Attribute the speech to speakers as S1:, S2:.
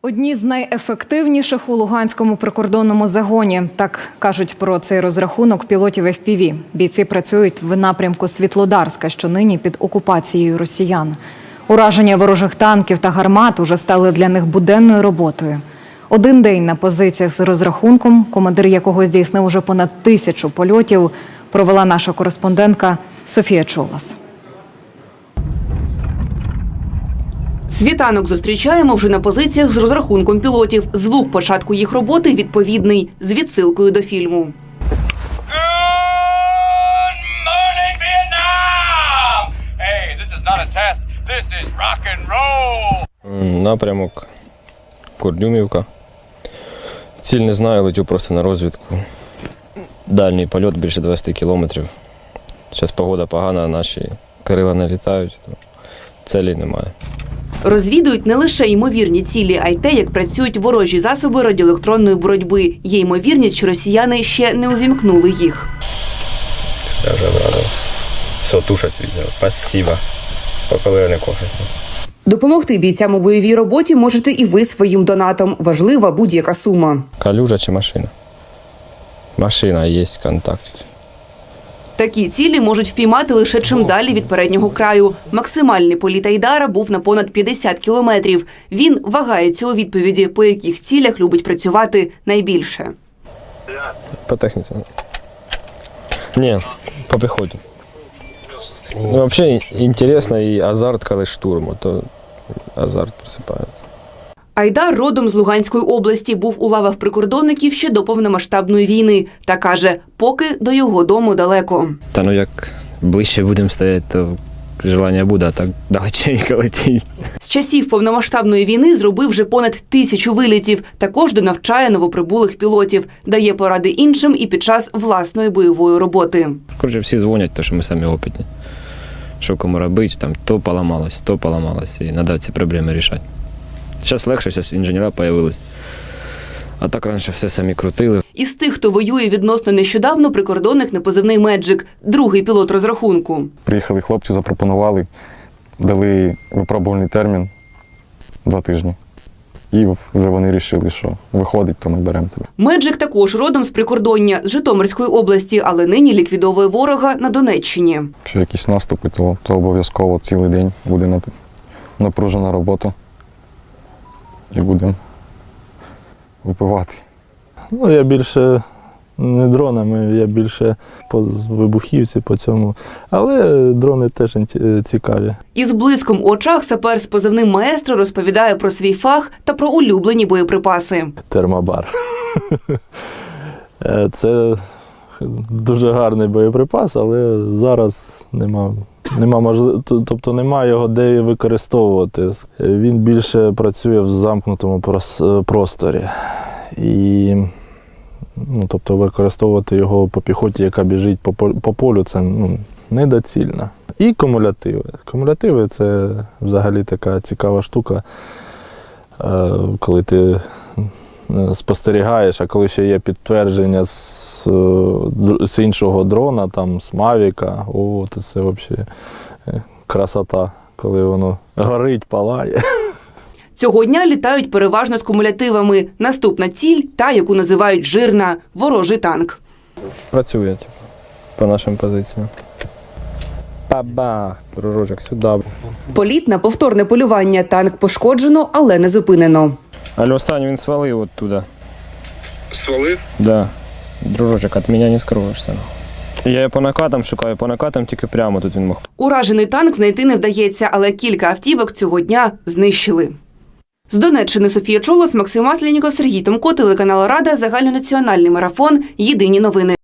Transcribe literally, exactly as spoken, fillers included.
S1: Одні з найефективніших у Луганському прикордонному загоні. Так кажуть про цей розрахунок пілотів еф пі ві. Бійці працюють в напрямку Світлодарська, що нині під окупацією росіян. Ураження ворожих танків та гармат уже стали для них буденною роботою. Один день на позиціях з розрахунком, командир якого здійснив уже понад тисячу польотів, провела наша кореспондентка Софія Чолас.
S2: Світанок зустрічаємо вже на позиціях з розрахунком пілотів. Звук початку їх роботи відповідний, з відсилкою до фільму.
S3: Good morning, Vietnam! Hey, this is not a test. This is rock and roll.
S4: Напрямок Кордюмівка. Ціль не знаю, летю просто на розвідку. Дальній польот більше двадцять кілометрів. Зараз погода погана, наші крила не літають, то цілі немає.
S2: Розвідують не лише ймовірні цілі, а й те, як працюють ворожі засоби радіоелектронної боротьби. Є ймовірність, що росіяни ще не увімкнули їх.
S4: Я вже обрадив. Все, тушать відео. Спасибо. Поки не кохать.
S2: Допомогти бійцям у бойовій роботі можете і ви своїм донатом. Важлива будь-яка сума.
S4: Калюжа чи машина? Машина, є контактик.
S2: Такі цілі можуть впіймати лише чим далі від переднього краю. Максимальний політ Айдара був на понад п'ятдесят кілометрів. Він вагається у відповіді, по яких цілях любить працювати найбільше.
S4: По техніці. Ні, по піхоті. Ну, взагалі, інтересно і азарт, коли штурму, то азарт просипається.
S2: Айдар родом з Луганської області, був у лавах прикордонників ще до повномасштабної війни. Та каже, поки до його дому далеко.
S4: Та ну як ближче будемо стояти, то желання буде, а так далеченько летіть.
S2: З часів повномасштабної війни зробив вже понад тисячу вилітів. Також донавчає новоприбулих пілотів. Дає поради іншим і під час власної бойової роботи.
S4: Коротше, всі дзвонять, тому що ми самі опитні. Що кому робити, там то поламалось, то поламалось, і треба ці проблеми рішати. Зараз легше, зараз інженера з'явились. А так раніше все самі крутили.
S2: Із тих, хто воює відносно нещодавно, прикордонник на позивний «Меджик», другий пілот розрахунку.
S5: Приїхали хлопці, запропонували, дали випробувальний термін два тижні. І вже вони вирішили, що виходить, то ми беремо тебе.
S2: «Меджик» також родом з прикордоння, з Житомирської області, але нині ліквідовує ворога на Донеччині.
S5: Якщо якісь наступи, то, то обов'язково цілий день буде напружена робота. І будемо випивати.
S6: Ну, я більше не дронами, я більше по вибухівці, по цьому. Але дрони теж цікаві.
S2: Із блиском у очах сапер з позивним «Маестро» розповідає про свій фах та про улюблені боєприпаси.
S6: Термобар. Це дуже гарний боєприпас, але зараз нема. Нема можливо, тобто немає його де використовувати. Він більше працює в замкнутому просторі. І, ну, тобто використовувати його по піхоті, яка біжить по, по полю, це ну, недоцільно. І кумулятиви. Кумулятиви – це взагалі така цікава штука, коли ти спостерігаєш, а коли ще є підтвердження з, з іншого дрона, там, з Мавіка, о, то це взагалі красота, коли воно горить, палає.
S2: Цього дня літають переважно з кумулятивами. Наступна ціль – та, яку називають «жирна» – ворожий танк.
S4: Працює, типу, по нашим позиціям. Бабах, дружочок, сюди.
S2: Політ на повторне полювання. Танк пошкоджено, але не зупинено.
S4: Але останній він свалив оттуда.
S3: Свалив?
S4: Да. Дружочок, від мене не скроєшся. Я його по накатам шукаю, по накатам тільки прямо тут він мог.
S2: Уражений танк знайти не вдається, але кілька автівок цього дня знищили. З Донеччини Софія Чолос, Максим Масленіков, Сергій Томко, телеканал Рада, загальнонаціональний марафон. Єдині новини.